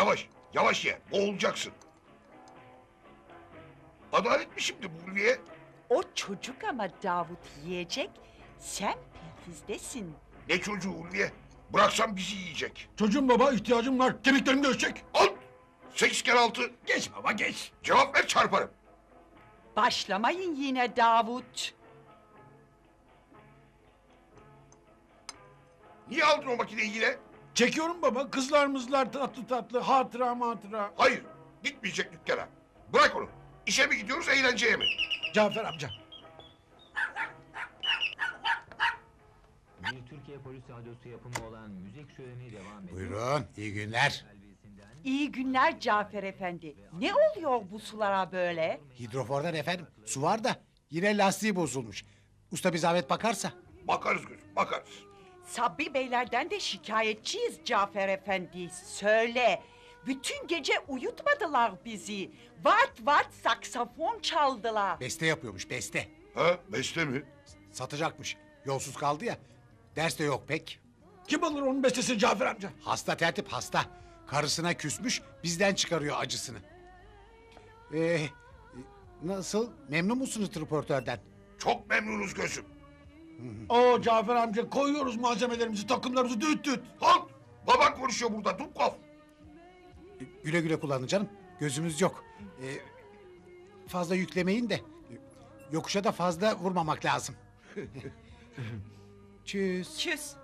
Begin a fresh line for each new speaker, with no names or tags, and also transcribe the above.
Yavaş, yavaş ye. Boğulacaksın. Adalet mi şimdi bu Ulviye?
O çocuk ama Davut yiyecek. Sen perhizdesin.
Ne çocuğu Ulviye? Bıraksam bizi yiyecek.
Çocuğum baba, ihtiyacım var. Kemiklerim göçecek.
Al! 8 kere 6.
Geç baba geç.
Cevap ver çarparım.
Başlamayın yine Davut.
Niye aldın o makineyi yine?
Çekiyorum baba, kızlar mızlar tatlı tatlı, hatıra.
Hayır, gitmeyecek dükkana. Bırak onu. İşe mi gidiyoruz, eğlenceye mi?
Cafer amca.
Bir Türkiye Polis Radyosu yapımı olan müzik şöleni devam ediyor.
Buyurun, iyi günler.
İyi günler Cafer Efendi. Ne oluyor bu sulara böyle?
Hidrofordan efendim, su var da yine lastiği bozulmuş. Usta bir zahmet bakarsa.
Bakarız gözüm, bakarız.
Sabri Beylerden de şikayetçiyiz Cafer Efendi. Söyle. Bütün gece uyutmadılar bizi. Vat vat saksafon çaldılar.
Beste yapıyormuş, beste.
Ha, beste mi?
Satacakmış. Yolsuz kaldı ya. Ders de yok pek.
Kim alır onun bestesini Cafer amca?
Hasta tertip hasta. Karısına küsmüş, bizden çıkarıyor acısını. Nasıl? Memnun musunuz tripörtörden?
Çok memnunuz gözüm.
Oo Cafer amca, koyuyoruz malzemelerimizi, takımlarımızı düt düt.
Halt! Baban konuşuyor burada, Dubkov.
Güle güle kullanın canım. Gözümüz yok. Fazla yüklemeyin de. Yokuşa da fazla vurmamak lazım. Çüz.
Tschüss.